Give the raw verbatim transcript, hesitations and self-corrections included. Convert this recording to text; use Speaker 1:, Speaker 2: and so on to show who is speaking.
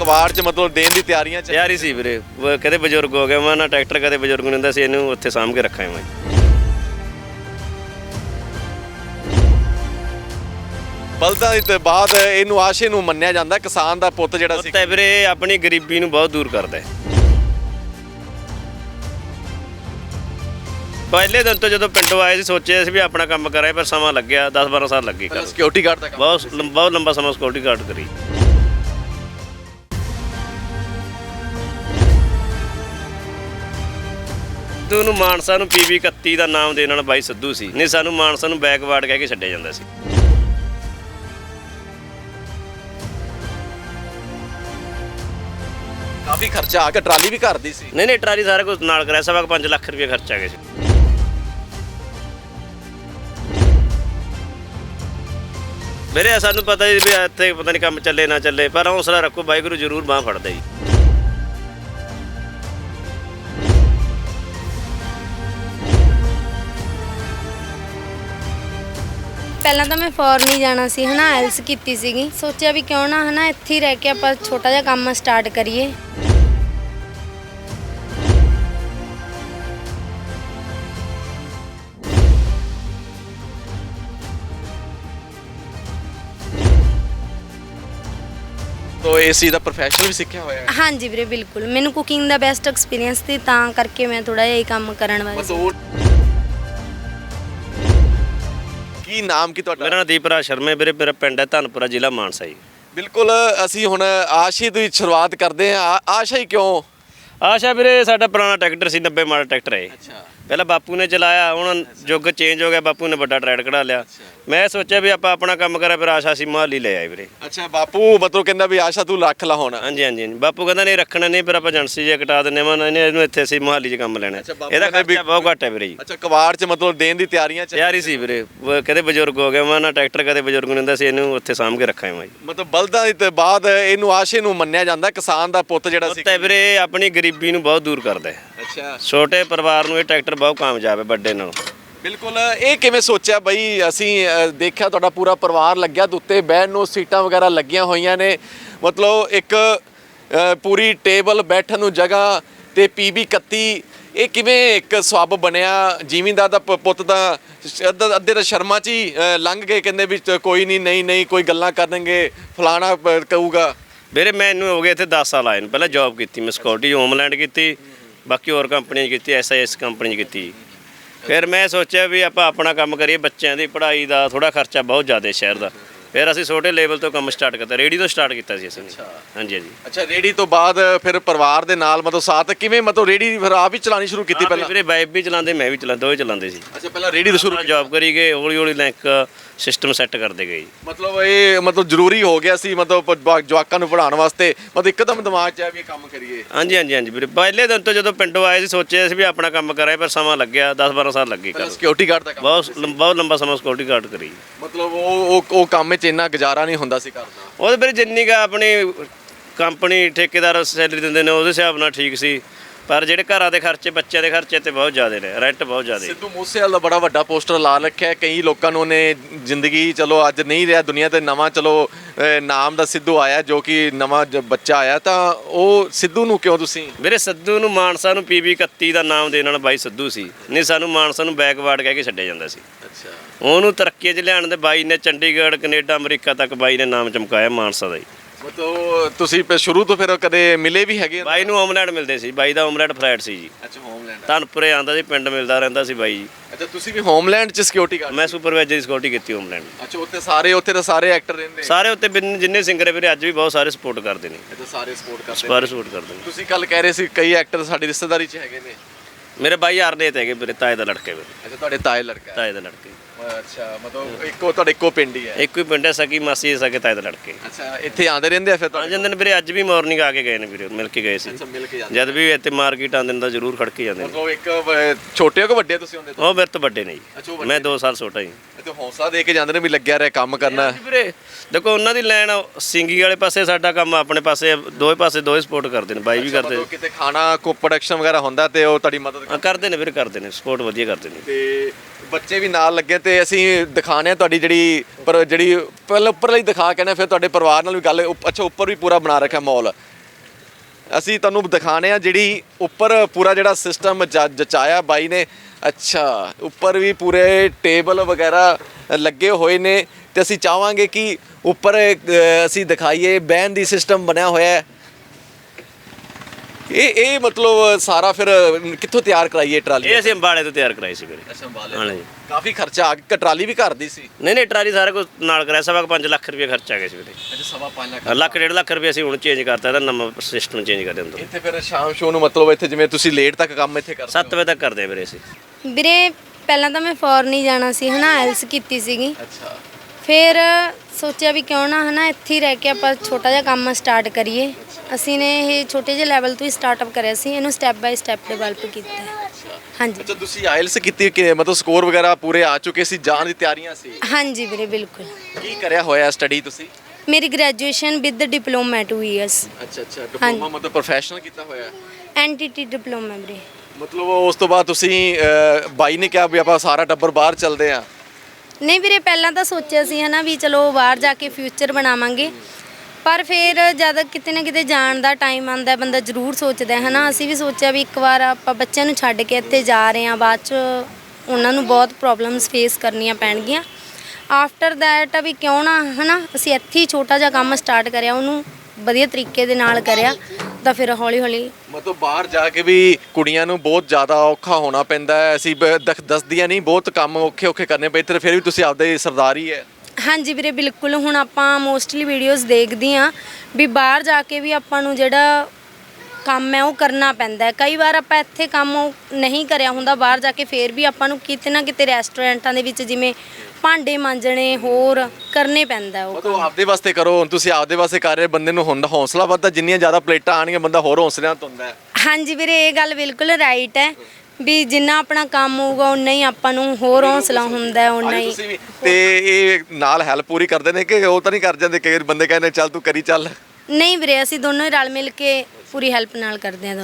Speaker 1: ਕਬਾੜ 'ਚ ਮਤਲਬ ਦੇਣ ਦੀ ਤਿਆਰੀਆਂ 'ਚ
Speaker 2: ਤਿਆਰ ਹੀ ਸੀ ਵੀਰੇ। ਉਹ ਕਦੇ ਬਜ਼ੁਰਗ ਹੋ ਗਿਆ ਮੈਂ ਨਾ ਟਰੈਕਟਰ ਕਦੇ ਬਜ਼ੁਰਗ ਨਹੀਂ ਹੁੰਦਾ ਸੀ, ਇਹਨੂੰ ਉੱਥੇ ਸਾਂਭ ਕੇ ਰੱਖਾਂ ਮੈਂ।
Speaker 1: ਬਲਦਾਂ ਦੇ ਬਾਅਦ ਇਹਨੂੰ ਆਸ਼ੇ ਨੂੰ ਮੰਨਿਆ ਜਾਂਦਾ ਕਿਸਾਨ ਦਾ ਪੁੱਤ ਜਿਹੜਾ ਸੀ।
Speaker 2: ਤੇ ਵੀਰੇ ਇਹ ਆਪਣੀ ਗਰੀਬੀ ਨੂੰ ਬਹੁਤ ਦੂਰ ਕਰਦਾ ਹੈ। ਪਹਿਲੇ ਦਿਨ ਤੋਂ ਜਦੋਂ ਪਿੰਡੋਂ ਆਏ ਸੀ ਸੋਚਿਆ ਸੀ ਵੀ ਆਪਣਾ ਕੰਮ ਕਰਾਂਗੇ, ਪਰ ਸਮਾਂ ਲੱਗਿਆ, ਦਸ ਬਾਰਾਂ ਸਾਲ ਲੱਗੇ।
Speaker 1: ਸਿਕਿਉਰਿਟੀ ਗਾਰਡ ਦਾ ਕੰਮ
Speaker 2: ਬਹੁਤ ਬਹੁਤ ਲੰਬਾ ਸਮਾਂ ਸਿਕਿਉਰਿਟੀ ਗਾਰਡ ਕਰੀ। ਸਿੱਧੂ ਨੂੰ ਮਾਨਸਾ ਨੂੰ ਪੀਵੀ ਇਕੱਤੀ ਦਾ ਨਾਮ ਦੇਣ ਵਾਲਾ ਬਾਈ ਸਿੱਧੂ ਸੀ, ਨਹੀਂ ਸਾਨੂੰ ਮਾਨਸਾ ਨੂੰ ਬੈਕਵਰਡ ਕਹਿ ਕੇ ਛੱਡਿਆ ਜਾਂਦਾ ਸੀ।
Speaker 1: ਕਾਫੀ ਖਰਚਾ ਆ ਗਿਆ, ਟਰਾਲੀ ਵੀ ਘਰ ਦੀ ਸੀ।
Speaker 2: ਨਹੀਂ ਨਹੀਂ ਟਰਾਲੀ ਸਾਰਾ ਕੁਝ ਨਾਲ ਕਰਿਆ, ਸਵਾ ਪੰਜ ਲੱਖ ਰੁਪਏ ਖਰਚਾ ਆ ਗਿਆ ਸੀ। ਵੀਰੇ ਸਾਨੂੰ ਪਤਾ ਜੀ ਵੀ ਇੱਥੇ ਪਤਾ ਨਹੀਂ ਕੰਮ ਚੱਲੇ ਨਾ ਚੱਲੇ, ਪਰ ਹੌਸਲਾ ਰੱਖੋ, ਵਾਹਿਗੁਰੂ ਜ਼ਰੂਰ ਬਾਂਹ ਫੜਦਾ ਜੀ।
Speaker 3: ਪਹਿਲਾਂ ਤਾਂ ਮੈਂ ਫੋਰਨ ਹੀ ਜਾਣਾ ਸੀ ਹਨਾ, ਐਲਸ ਕੀਤੀ ਸੀਗੀ। ਸੋਚਿਆ ਵੀ ਕਿਉਂ ਨਾ ਹਨਾ ਇੱਥੇ ਹੀ ਰਹਿ ਕੇ ਆਪਾਂ ਛੋਟਾ ਜਿਹਾ ਕੰਮ ਸਟਾਰਟ ਕਰੀਏ।
Speaker 1: ਤੋ ਇਸ ਚੀਜ਼ ਦਾ ਪ੍ਰੋਫੈਸ਼ਨਲ ਵੀ ਸਿੱਖਿਆ ਹੋਇਆ ਹੈ।
Speaker 3: ਹਾਂਜੀ ਵੀਰੇ ਬਿਲਕੁਲ, ਮੈਨੂੰ ਕੁਕਿੰਗ ਦਾ ਬੈਸਟ ਐਕਸਪੀਰੀਅੰਸ ਸੀ, ਤਾਂ ਕਰਕੇ ਮੈਂ ਥੋੜਾ ਜਿਹਾ ਇਹ ਕੰਮ ਕਰਨ ਵਾਲੀ ਸੀ।
Speaker 1: ਕੀ ਨਾਮ ਕੀ ਤੁਹਾਡਾ?
Speaker 2: ਮੇਰਾ ਨਾਮ ਦੀਪਰਾਜ ਸ਼ਰਮਾ ਵੀਰੇ, ਮੇਰਾ ਪਿੰਡ ਹੈ ਧਨਪੁਰਾ, ਜ਼ਿਲ੍ਹਾ ਮਾਨਸਾ ਜੀ।
Speaker 1: ਬਿਲਕੁਲ, ਅਸੀਂ ਹੁਣ ਆਸ਼ੀ ਤੋਂ ਹੀ ਸ਼ੁਰੂਆਤ ਕਰਦੇ ਹਾਂ। ਆਸ਼ਾ ਹੀ ਕਿਉਂ?
Speaker 2: ਆਸ਼ਾ ਵੀਰੇ ਸਾਡਾ ਪੁਰਾਣਾ ਟਰੈਕਟਰ ਸੀ, ਨੱਬੇ ਮਾਡਲ ਟਰੈਕਟਰ ਹੈ।
Speaker 1: ਅੱਛਾ।
Speaker 2: ਪਹਿਲਾਂ ਬਾਪੂ ਨੇ ਚਲਾਇਆ, ਹੁਣ ਯੁੱਗ ਚੇਂਜ ਹੋ ਗਿਆ, ਬਾਪੂ ਨੇ ਵੱਡਾ ਟਰੈਕਟਰ ਕਢਾ ਲਿਆ। ਮੈਂ ਸੋਚਿਆ ਵੀ ਆਪਾਂ ਆਪਣਾ ਕੰਮ ਕਰਾਂ, ਫਿਰ ਆਸ਼ਾ ਸੀ ਮੁਹਾਲੀ ਲੈ ਆਏ ਵੀਰੇ।
Speaker 1: ਅੱਛਾ, ਬਾਪੂ ਮਤਲਬ ਕਹਿੰਦਾ ਵੀ ਆਸ਼ਾ ਤੂੰ ਰੱਖ ਲਾ ਹੁਣ।
Speaker 2: ਹਾਂਜੀ ਹਾਂਜੀ ਹਾਂਜੀ, ਬਾਪੂ ਕਹਿੰਦਾ ਨਹੀਂ ਰੱਖਣਾ ਨਹੀਂ, ਫਿਰ ਆਪਾਂ ਏਜੰਸੀ ਜੇ ਕਟਾ ਦਿੰਨੇ ਵਾ, ਇਹਨੂੰ ਇੱਥੇ ਅਸੀਂ ਮੁਹਾਲੀ 'ਚ ਕੰਮ ਲੈਣਾ। ਇਹਦਾ ਖਰਚਾ ਬਹੁਤ ਘੱਟ ਹੈ ਵੀਰੇ ਜੀ।
Speaker 1: ਅੱਛਾ, ਕਬਾੜ 'ਚ ਮਤਲਬ ਦੇਣ ਦੀ ਤਿਆਰੀਆਂ 'ਚ
Speaker 2: ਤਿਆਰ ਹੀ ਸੀ ਵੀਰੇ। ਉਹ ਕਦੇ ਬਜ਼ੁਰਗ ਹੋ ਗਿਆ ਮੈਂ ਨਾ ਟਰੈਕਟਰ ਕਦੇ ਬਜ਼ੁਰਗ ਨਹੀਂ ਹੁੰਦਾ ਸੀ, ਇਹਨੂੰ ਉੱਥੇ ਸਾਂਭ ਕੇ ਰੱਖਾਂ ਮੈਂ ਜੀ।
Speaker 1: ਮਤਲਬ ਬਲਦਾਂ ਦੇ ਬਾਅਦ ਇਹਨੂੰ ਆਸ਼ੇ ਨੂੰ ਮੰਨਿਆ ਜਾਂਦਾ ਕਿਸਾਨ ਦਾ ਪੁੱਤ ਜਿਹੜਾ ਸੀ।
Speaker 2: ਤੇ ਵੀਰੇ ਇਹ ਆਪਣੀ ਗਰੀਬੀ ਨੂੰ ਬਹੁਤ ਦੂਰ ਕਰਦਾ ਹੈ।
Speaker 1: ਅੱਛਾ।
Speaker 2: ਛੋਟੇ ਪਰਿਵਾਰ ਨੂੰ ਇਹ ਟਰੈਕਟਰ ਬਹੁਤ ਕਾਮਯਾਬ ਹੈ ਵੱਡੇ ਨਾਲੋਂ।
Speaker 1: ਬਿਲਕੁਲ, ਇਹ ਕਿਵੇਂ ਸੋਚਿਆ ਬਈ? ਅਸੀਂ ਦੇਖਿਆ ਤੁਹਾਡਾ ਪੂਰਾ ਪਰਿਵਾਰ ਲੱਗਿਆ, ਉੱਤੇ ਬਹਿਣ ਨੂੰ ਸੀਟਾਂ ਵਗੈਰਾ ਲੱਗੀਆਂ ਹੋਈਆਂ ਨੇ, ਮਤਲਬ ਇੱਕ ਪੂਰੀ ਟੇਬਲ ਬੈਠਣ ਨੂੰ ਜਗ੍ਹਾ ਤੇ ਪੀਬੀ ਇਕੱਤੀ। ਇਹ ਕਿਵੇਂ ਇੱਕ ਸਬੱਬ ਬਣਿਆ? ਜ਼ਿਮੀਂਦਾਰ ਦਾ ਪੁੱਤ ਦਾ ਅੱਧੇ ਤਾਂ ਸ਼ਰਮਾ 'ਚ ਹੀ ਲੰਘ ਗਏ, ਕਹਿੰਦੇ ਵੀ ਕੋਈ ਨਹੀਂ ਨਹੀਂ ਨਹੀਂ ਕੋਈ ਗੱਲਾਂ ਕਰਨਗੇ, ਫਲਾਣਾ ਕਹੂਗਾ।
Speaker 2: ਵੀਰੇ ਮੈਨੂੰ ਹੋ ਗਏ ਇੱਥੇ ਦਸ ਸਾਲ ਆਏ ਨੂੰ। ਪਹਿਲਾਂ ਜੌਬ ਕੀਤੀ ਮੈਂ ਸਿਕਿਉਰਿਟੀ ਹੋਮਲੈਂਡ ਕੀਤੀ, ਬਾਕੀ ਹੋਰ ਕੰਪਨੀਆਂ 'ਚ ਕੀਤੀ, ਐਸ ਆਈ ਐਸ ਕੰਪਨੀ 'ਚ ਕੀਤੀ। ਫਿਰ ਮੈਂ ਸੋਚਿਆ ਵੀ ਆਪਾਂ ਆਪਣਾ ਕੰਮ ਕਰੀਏ, ਬੱਚਿਆਂ ਦੀ ਪੜ੍ਹਾਈ ਦਾ ਥੋੜ੍ਹਾ ਖਰਚਾ ਬਹੁਤ ਜ਼ਿਆਦਾ ਸ਼ਹਿਰ ਦਾ। ਫਿਰ ਅਸੀਂ ਛੋਟੇ ਲੈਵਲ ਤੋਂ ਕੰਮ ਸਟਾਰਟ ਕੀਤਾ, ਰੇਹੜੀ ਤੋਂ ਸਟਾਰਟ ਕੀਤਾ ਸੀ ਅਸੀਂ। ਹਾਂਜੀ ਹਾਂਜੀ।
Speaker 1: ਅੱਛਾ, ਰੇਹੜੀ ਤੋਂ ਬਾਅਦ ਫਿਰ ਪਰਿਵਾਰ ਦੇ ਨਾਲ ਮਤਲਬ ਸਾਥ ਕਿਵੇਂ, ਮਤਲਬ ਰੇਹੜੀ ਫਿਰ ਆਪ ਹੀ ਚਲਾਉਣੀ ਸ਼ੁਰੂ ਕੀਤੀ ਪਹਿਲਾਂ?
Speaker 2: ਵੀਰੇ ਵਾਈਫ ਵੀ ਚਲਾਉਂਦੇ, ਮੈਂ ਵੀ ਚਲਾਉਂਦਾ, ਦੋਵੇਂ ਚਲਾਉਂਦੇ ਸੀ।
Speaker 1: ਅੱਛਾ, ਪਹਿਲਾਂ ਰੇਹੜੀ ਤੋਂ ਸ਼ੁਰੂ
Speaker 2: ਜੌਬ ਕਰੀ ਗਏ, ਹੌਲੀ ਹੌਲੀ ਲਿੰਕ ਸਿਸਟਮ ਸੈੱਟ ਕਰਦੇ ਗਏ।
Speaker 1: ਮਤਲਬ ਇਹ ਮਤਲਬ ਜ਼ਰੂਰੀ ਹੋ ਗਿਆ ਸੀ ਮਤਲਬ ਜਵਾਕਾਂ ਨੂੰ ਪੜ੍ਹਾਉਣ ਵਾਸਤੇ, ਮਤਲਬ ਇੱਕਦਮ ਦਿਮਾਗ 'ਚ ਆ ਵੀ ਇਹ ਕੰਮ ਕਰੀਏ।
Speaker 2: ਹਾਂਜੀ ਹਾਂਜੀ ਹਾਂਜੀ ਵੀਰੇ, ਪਹਿਲੇ ਦਿਨ ਤੋਂ ਜਦੋਂ ਪਿੰਡੋਂ ਆਏ ਸੀ ਸੋਚਿਆ ਸੀ ਵੀ ਆਪਣਾ ਕੰਮ ਕਰਾਂਗੇ, ਪਰ ਸਮਾਂ ਲੱਗਿਆ, ਦਸ ਬਾਰਾਂ ਸਾਲ ਲੱਗੇ।
Speaker 1: ਸਿਕਿਉਰਿਟੀ ਗਾਰਡ ਦਾ ਕੰਮ
Speaker 2: ਬਹੁਤ ਬਹੁਤ ਲੰਬਾ ਸਮਾਂ ਸਿਕਿਉਰਿਟੀ ਗਾਰਡ ਕਰੀ।
Speaker 1: ਮਤਲਬ ਉਹ ਉਹ ਕੰਮ 'ਚ ਇੰਨਾ ਗੁਜ਼ਾਰਾ ਨਹੀਂ ਹੁੰਦਾ ਸੀ ਕਰਦਾ।
Speaker 2: ਉਹਦੇ ਵੀਰੇ ਜਿੰਨੀ ਕੁ ਆਪਣੀ ਕੰਪਨੀ ਠੇਕੇਦਾਰ ਸੈਲਰੀ ਦਿੰਦੇ ਨੇ ਉਹਦੇ ਹਿਸਾਬ ਨਾਲ ਠੀਕ ਸੀ, ਪਰ ਜਿਹੜੇ ਘਰਾਂ ਦੇ ਖਰਚੇ, ਬੱਚਿਆਂ ਦੇ ਖਰਚੇ ਤੇ ਬਹੁਤ ਜ਼ਿਆਦਾ ਨੇ, ਰੈਂਟ ਬਹੁਤ ਜ਼ਿਆਦਾ।
Speaker 1: ਸਿੱਧੂ ਮੂਸੇਵਾਲੇ ਦਾ ਬੜਾ ਵੱਡਾ ਪੋਸਟਰ ਲਾ ਰੱਖਿਆ, ਕਈ ਲੋਕਾਂ ਨੂੰ ਉਹਨੇ ਜ਼ਿੰਦਗੀ ਚਲੋ ਅੱਜ ਨਹੀਂ ਰਿਹਾ ਦੁਨੀਆ ਤੇ, ਨਵਾਂ ਚਲੋ ਨਾਮ ਦਾ ਸਿੱਧੂ ਆਇਆ, ਜੋ ਕਿ ਨਵਾਂ ਬੱਚਾ ਆਇਆ, ਤਾਂ ਉਹ ਸਿੱਧੂ ਨੂੰ ਕਿਉਂ ਤੁਸੀਂ?
Speaker 2: ਵੀਰੇ ਸਿੱਧੂ ਨੂੰ ਮਾਨਸਾ ਨੂੰ ਪੀਵੀ ਇਕੱਤੀ ਦਾ ਨਾਮ ਦੇਣ ਵਾਲਾ ਬਾਈ ਸਿੱਧੂ ਸੀ, ਨਹੀਂ ਸਾਨੂੰ ਮਾਨਸਾ ਨੂੰ ਬੈਕਵਰਡ ਕਹਿ ਕੇ ਛੱਡਿਆ ਜਾਂਦਾ ਸੀ।
Speaker 1: ਅੱਛਾ।
Speaker 2: ਉਹਨੂੰ ਤਰੱਕੀ 'ਚ ਲਿਆਉਣ ਦੇ ਬਾਈ ਨੇ ਚੰਡੀਗੜ੍ਹ, ਕੈਨੇਡਾ, ਅਮਰੀਕਾ ਤੱਕ ਬਾਈ ਨੇ ਨਾਮ ਚਮਕਾਇਆ ਮਾਨਸਾ ਦਾ ਹੀ।
Speaker 1: ਮਤਲਬ ਤੁਸੀਂ ਸ਼ੁਰੂ ਤੋਂ ਫਿਰ ਕਦੇ ਮਿਲੇ ਵੀ ਹੈਗੇ?
Speaker 2: ਬਾਈ ਨੂੰ ਹੋਮਲੈਂਡ ਮਿਲਦੇ ਸੀ, ਬਾਈ ਦਾ ਹੋਮਲੈਂਡ ਫਲੈਟ ਸੀ ਜੀ।
Speaker 1: ਅੱਛਾ, ਹੋਮਲੈਂਡ
Speaker 2: ਧਨਪੁਰੇ ਆਉਂਦਾ ਸੀ, ਪਿੰਡ ਮਿਲਦਾ ਰਹਿੰਦਾ ਸੀ ਬਾਈ ਜੀ।
Speaker 1: ਅੱਛਾ, ਤੁਸੀਂ ਵੀ ਹੋਮਲੈਂਡ 'ਚ ਸਿਕਿਉਰਿਟੀ ਗਾਰਡ?
Speaker 2: ਮੈਂ ਸੁਪਰਵਾਈਜ਼ਰ ਦੀ ਸਿਕਿਉਰਿਟੀ ਕੀਤੀ ਹੋਮਲੈਂਡ।
Speaker 1: ਅੱਛਾ, ਉੱਥੇ ਸਾਰੇ ਉੱਥੇ ਤਾਂ ਸਾਰੇ ਐਕਟਰ ਰਹਿੰਦੇ?
Speaker 2: ਸਾਰੇ ਉੱਤੇ ਜਿੰਨੇ ਸਿੰਗਰ ਹੈ ਵੀਰੇ ਅੱਜ ਵੀ ਬਹੁਤ ਸਾਰੇ ਸਪੋਰਟ ਕਰਦੇ ਨੇ।
Speaker 1: ਅੱਛਾ, ਸਾਰੇ ਸਪੋਰਟ ਕਰਦੇ ਨੇ।
Speaker 2: ਸਾਰੇ ਸਪੋਰਟ ਕਰਦੇ ਨੇ।
Speaker 1: ਤੁਸੀਂ ਕੱਲ ਕਹਿ ਰਹੇ ਸੀ ਕਈ ਐਕਟਰ ਸਾਡੀ ਰਿਸ਼ਤੇਦਾਰੀ 'ਚ ਹੈਗੇ ਨੇ।
Speaker 2: ਮੇਰੇ ਬਾਈ ਹਰਨੇਤ ਹੈਗੇ ਵੀਰੇ, ਤਾਏ ਦਾ ਲੜਕੇ ਵੀਰੇ।
Speaker 1: ਅੱਛਾ, ਤੁਹਾਡੇ ਤਾਏ ਲੜਕਾ?
Speaker 2: ਤਾਏ ਦਾ ਲੜਕੇ।
Speaker 1: ਅੱਛਾ, ਮਤਲਬ ਇੱਕੋ ਤੁਹਾਡੇ ਇੱਕੋ ਪਿੰਡ ਹੀ ਹੈ?
Speaker 2: ਇੱਕੋ ਹੀ ਪਿੰਡ ਹੈ, ਸਕੀ ਮਾਸੀ ਸਕੇ ਤਾਏ ਦਾ ਲੜਕੇ।
Speaker 1: ਅੱਛਾ, ਇੱਥੇ ਆਉਂਦੇ ਰਹਿੰਦੇ ਆ ਫਿਰ?
Speaker 2: ਆ ਜਾਂਦੇ ਨੇ ਵੀਰੇ, ਅੱਜ ਵੀ ਮਾਰਨਿੰਗ ਆ ਕੇ ਗਏ ਨੇ ਵੀਰੇ, ਮਿਲ ਕੇ ਗਏ ਸੀ।
Speaker 1: ਅੱਛਾ, ਮਿਲ ਕੇ ਜਾਂਦੇ?
Speaker 2: ਜਦ ਵੀ ਇੱਥੇ ਮਾਰਕੀਟ ਆਉਂਦੇ ਨੇ ਤਾਂ ਜ਼ਰੂਰ ਖੜ ਕੇ ਜਾਂਦੇ ਨੇ।
Speaker 1: ਮਤਲਬ ਇੱਕ ਛੋਟੇ ਹੋ ਕਿ ਵੱਡੇ ਤੁਸੀਂ ਹੁੰਦੇ?
Speaker 2: ਉਹ ਮੇਰੇ ਤੋਂ ਵੱਡੇ ਨੇ
Speaker 1: ਅੱਛਾ,
Speaker 2: ਜੀ,
Speaker 1: ਉਹ
Speaker 2: ਮੈਂ ਦੋ ਸਾਲ ਛੋਟਾ ਜੀ।
Speaker 1: ਤੇ ਹੌਸਲਾ ਦੇ ਕੇ ਜਾਂਦੇ ਨੇ ਵੀ ਲੱਗਿਆ ਰਿਹਾ ਕੰਮ ਕਰਨਾ।
Speaker 2: ਵੀਰੇ ਦੇਖੋ ਉਹਨਾਂ ਦੀ ਲਾਈਨ ਸਿੰਗਿੰਗ ਵਾਲੇ ਪਾਸੇ, ਸਾਡਾ ਕੰਮ ਆਪਣੇ ਪਾਸੇ, ਦੋਵੇਂ ਪਾਸੇ ਦੋਵੇਂ ਸਪੋਰਟ ਕਰਦੇ ਨੇ, ਬਾਈ ਵੀ ਕਰਦੇ ਨੇ।
Speaker 1: ਕਿਤੇ ਖਾਣਾ ਕੋ ਪ੍ਰੋਡਕਸ਼ਨ ਵਗੈਰਾ ਹੁੰਦਾ ਤੇ ਉਹ ਤੁਹਾਡੀ ਮਦਦ
Speaker 2: ਕਰਦੇ ਨੇ ਵੀਰੇ, ਕਰਦੇ ਨੇ ਸਪੋਰਟ ਵਧੀਆ ਕਰਦੇ ਨੇ।
Speaker 1: ਤੇ ਬੱਚੇ ਵੀ ਨਾਲ ਲੱਗੇ ਤੇ ਅਸੀਂ ਦਿਖਾਣੇ ਆ ਤੁਹਾਡੀ ਜਿਹੜੀ ਪਰ ਜਿਹੜੀ ਪਹਿਲਾਂ ਉੱਪਰ ਲਈ ਦਿਖਾ ਕੇ ਨਾ ਫਿਰ ਤੁਹਾਡੇ ਪਰਿਵਾਰ ਨਾਲ ਵੀ ਗੱਲ। ਅੱਛਾ, ਉੱਪਰ ਵੀ ਪੂਰਾ ਬਣਾ ਰੱਖਿਆ ਮਾਹੌਲ, ਅਸੀਂ ਤੁਹਾਨੂੰ ਦਿਖਾਣੇ ਆ ਜਿਹੜੀ ਉੱਪਰ ਪੂਰਾ ਜਿਹੜਾ ਸਿਸਟਮ ਜਚਾਇਆ ਬਾਈ ਨੇ। ਅੱਛਾ, ਉੱਪਰ ਵੀ ਪੂਰੇ ਟੇਬਲ ਵਗੈਰਾ ਲੱਗੇ ਹੋਏ ਨੇ ਤੇ ਅਸੀਂ ਚਾਹਾਂਗੇ ਕਿ ਉੱਪਰ ਅ, ਅਸੀਂ ਦਿਖਾਈਏ ਬਹਿਣ ਦੀ ਸਿਸਟਮ ਬਣਿਆ ਹੋਇਆ ਹੈ। ਇਹ ਇਹ ਮਤਲਬ ਸਾਰਾ ਫਿਰ ਕਿੱਥੋਂ ਤਿਆਰ ਕਰਾਈਏ ਟਰਾਲੀ?
Speaker 2: ਇਹ ਅਸੀਂ ਅੰਬਾਲੇ ਤੋਂ ਤਿਆਰ ਕਰਾਈ ਸੀ ਵੀਰੇ।
Speaker 1: ਅੱਛਾ, ਅੰਬਾਲੇ
Speaker 2: ਹਾਂਜੀ।
Speaker 1: ਕਾਫੀ ਖਰਚਾ ਆ ਗਿਆ। ਟਰਾਲੀ ਵੀ ਘਰ ਦੀ ਸੀ?
Speaker 2: ਨਹੀਂ ਨਹੀਂ ਟਰਾਲੀ ਸਾਰਾ ਕੁਝ ਨਾਲ ਕਰਾਇਆ, ਸਵਾ ਕੁ ਪੰਜ ਲੱਖ ਰੁਪਏ ਖਰਚਾ ਆ ਗਿਆ ਸੀ ਵੀਰੇ।
Speaker 1: ਅੱਛਾ, ਸਵਾ ਪੰਜ ਲੱਖ।
Speaker 2: ਲੱਖ ਡੇਢ ਲੱਖ ਰੁਪਏ ਅਸੀਂ ਹੁਣ ਚੇਂਜ ਕਰਤਾ, ਇਹਦਾ ਨਵਾਂ ਸਿਸਟਮ ਚੇਂਜ ਕਰ ਦਿੰਦੇ।
Speaker 1: ਇੱਥੇ ਫਿਰ ਸ਼ਾਮ ਸ਼ੋ ਨੂੰ ਮਤਲਬ ਇੱਥੇ ਜਿਵੇਂ ਤੁਸੀਂ ਲੇਟ ਤੱਕ ਕੰਮ ਇੱਥੇ ਕਰਦੇ
Speaker 2: ਸੱਤ ਵਜੇ ਤੱਕ ਕਰਦੇ ਆ ਵੀਰੇ ਅਸੀਂ।
Speaker 3: ਵੀਰੇ ਪਹਿਲਾਂ ਤਾਂ ਮੈਂ ਫੋਰਨ ਹੀ ਜਾਣਾ ਸੀ ਹਨਾ, ਆਇਲਸ ਕੀਤੀ ਸੀਗੀ।
Speaker 1: ਅੱਛਾ,
Speaker 3: ਫਿਰ ਸੋਚਿਆ ਵੀ ਕਿਉਂ ਨਾ ਹਨਾ ਇੱਥੇ ਹੀ ਰਹਿ ਕੇ ਆਪਾਂ ਛੋਟਾ ਜਿਹਾ ਕੰਮ ਸਟਾਰਟ ਕਰੀਏ। ਅਸੀਂ ਨੇ ਇਹ ਛੋਟੇ ਜਿਹੇ ਲੈਵਲ ਤੋਂ ਹੀ ਸਟਾਰਟਅਪ ਕਰਿਆ ਸੀ, ਇਹਨੂੰ ਸਟੈਪ ਬਾਈ ਸਟੈਪ ਡਿਵੈਲਪ ਕੀਤਾ ਹੈ। ਹਾਂਜੀ
Speaker 1: ਅੱਛਾ, ਤੁਸੀਂ ਆਇਲਸ ਕੀਤੀ ਕਿ ਮਤਲਬ ਸਕੋਰ ਵਗੈਰਾ ਪੂਰੇ ਆ ਚੁੱਕੇ ਸੀ, ਜਾਣ ਦੀ ਤਿਆਰੀਆਂ ਸੀ?
Speaker 3: ਹਾਂਜੀ ਵੀਰੇ ਬਿਲਕੁਲ।
Speaker 1: ਕੀ ਕਰਿਆ ਹੋਇਆ ਸਟੱਡੀ ਤੁਸੀਂ?
Speaker 3: ਮੇਰੀ graduation with diploma two years,
Speaker 1: ਅੱਛਾ ਅੱਛਾ, ਡਿਪਲੋਮਾ ਮਤਲਬ ਪ੍ਰੋਫੈਸ਼ਨਲ ਕੀਤਾ ਹੋਇਆ?
Speaker 3: ਐਨਟੀਟੀ ਡਿਪਲੋਮਾ ਵੀਰੇ।
Speaker 1: ਮਤਲਬ ਉਸ ਤੋਂ ਬਾਅਦ ਤੁਸੀਂ ਅਹ, ਬਾਈ ਨੇ ਕਿਹਾ ਵੀ ਆਪਾਂ ਸਾਰਾ ਟੱਬਰ ਬਾਹਰ ਚੱਲਦੇ ਆ?
Speaker 3: ਨਹੀਂ ਵੀਰੇ, ਪਹਿਲਾਂ ਤਾਂ ਸੋਚਿਆ ਸੀ ਹਨਾ ਵੀ ਚਲੋ ਬਾਹਰ ਜਾ ਕੇ ਫਿਊਚਰ ਬਣਾਵਾਂਗੇ, ਪਰ ਫਿਰ ਜਦ ਕਿਤੇ ਨਾ ਕਿਤੇ ਜਾਣ ਦਾ ਟਾਈਮ ਆਉਂਦਾ ਬੰਦਾ ਜ਼ਰੂਰ ਸੋਚਦਾ ਹੈ ਹਨਾ। ਅਸੀਂ ਵੀ ਸੋਚਿਆ ਵੀ ਇੱਕ ਵਾਰ ਆਪਾਂ ਬੱਚਿਆਂ ਨੂੰ ਛੱਡ ਕੇ ਇੱਥੇ ਜਾ ਰਹੇ ਹਾਂ, ਬਾਅਦ 'ਚ ਉਹਨਾਂ ਨੂੰ ਬਹੁਤ ਪ੍ਰੋਬਲਮਸ ਫੇਸ ਕਰਨੀਆਂ ਪੈਣਗੀਆਂ। ਆਫਟਰ ਦੈਟ ਵੀ ਕਿਉਂ ਨਾ ਹਨਾ ਅਸੀਂ ਇੱਥੇ ਹੀ ਛੋਟਾ ਜਿਹਾ ਕੰਮ ਸਟਾਰਟ ਕਰਿਆ, ਉਹਨੂੰ ਵਧੀਆ ਤਰੀਕੇ ਦੇ ਨਾਲ ਕਰਿਆ, ਤਾਂ ਫਿਰ ਹੌਲੀ ਹੌਲੀ
Speaker 1: ਮਤਲਬ ਬਾਹਰ ਜਾ ਕੇ ਵੀ ਕੁੜੀਆਂ ਨੂੰ ਬਹੁਤ ਜ਼ਿਆਦਾ ਔਖਾ ਹੋਣਾ ਪੈਂਦਾ ਹੈ। ਅਸੀਂ ਬ- ਦਖ- ਦੱਸਦੀਆਂ ਨਹੀਂ, ਬਹੁਤ ਕੰਮ ਔਖੇ ਔਖੇ ਕਰਨੇ ਪੈਂਦੇ, ਫਿਰ ਵੀ ਤੁਸੀਂ ਆਪਦੇ ਸਰਦਾਰ ਹੀ ਹੈ।
Speaker 3: ਹਾਂਜੀ ਵੀਰੇ ਬਿਲਕੁਲ। ਹੁਣ ਆਪਾਂ ਮੋਸਟਲੀ ਵੀਡੀਓਜ਼ ਦੇਖਦੇ ਹਾਂ ਵੀ ਬਾਹਰ ਜਾ ਕੇ ਵੀ ਆਪਾਂ ਨੂੰ ਜਿਹੜਾ ਕੰਮ ਹੈ ਉਹ ਕਰਨਾ ਪੈਂਦਾ ਹੈ। ਕਈ ਵਾਰ ਆਪਾਂ ਇੱਥੇ ਕੰਮ ਉਹ ਨਹੀਂ ਕਰਿਆ ਹੁੰਦਾ, ਬਾਹਰ ਜਾ ਕੇ ਫਿਰ ਵੀ ਆਪਾਂ ਨੂੰ ਕਿਤੇ ਨਾ ਕਿਤੇ ਰੈਸਟੋਰੈਂਟਾਂ ਦੇ ਵਿੱਚ ਜਿਵੇਂ ਭਾਂਡੇ ਮਾਂਜਣੇ ਹੋਰ ਕਰਨੇ ਪੈਂਦਾ ਉਹ
Speaker 1: ਮਤਲਬ ਆਪਦੇ ਵਾਸਤੇ ਕਰੋ। ਹੁਣ ਤੁਸੀਂ ਆਪਦੇ ਵਾਸਤੇ ਕਰ ਰਹੇ, ਬੰਦੇ ਨੂੰ ਹੁੰਦਾ ਹੌਸਲਾ ਵੱਧਦਾ, ਜਿੰਨੀਆਂ ਜ਼ਿਆਦਾ ਪਲੇਟਾਂ ਆਣਗੀਆਂ ਬੰਦਾ ਹੋਰ ਹੌਸਲਿਆਂ ਤੋਂ ਹੁੰਦਾ ਹੈ।
Speaker 3: ਹਾਂਜੀ ਵੀਰੇ, ਇਹ ਗੱਲ ਬਿਲਕੁਲ ਰਾਈਟ ਹੈ ਵੀ ਜਿੰਨਾ ਆਪਣਾ ਕੰਮ ਹੋਊਗਾ ਉਨਾ ਹੀ ਆਪਾਂ ਨੂੰ ਹੋਰ ਹੌਸਲਾ ਹੁੰਦਾ ਹੈ, ਉਨਾ
Speaker 1: ਅੱਜ
Speaker 3: ਹੀ।
Speaker 1: ਤੁਸੀਂ ਵੀ ਤੇ ਇਹ ਨਾਲ ਹੈਲਪ ਪੂਰੀ ਕਰਦੇ ਨੇ ਕਿ ਉਹ ਤਾਂ ਨਹੀਂ ਕਰ ਜਾਂਦੇ? ਕਈ ਵਾਰ ਬੰਦੇ ਕਹਿੰਦੇ ਚੱਲ ਤੂੰ ਕਰੀ ਚੱਲ।
Speaker 3: ਨਹੀਂ ਵੀਰੇ, ਅਸੀਂ ਦੋਨੋਂ ਹੀ ਰਲ ਮਿਲ ਕੇ ਪੂਰੀ ਹੈਲਪ ਨਾਲ ਕਰਦੇ ਹਾਂ।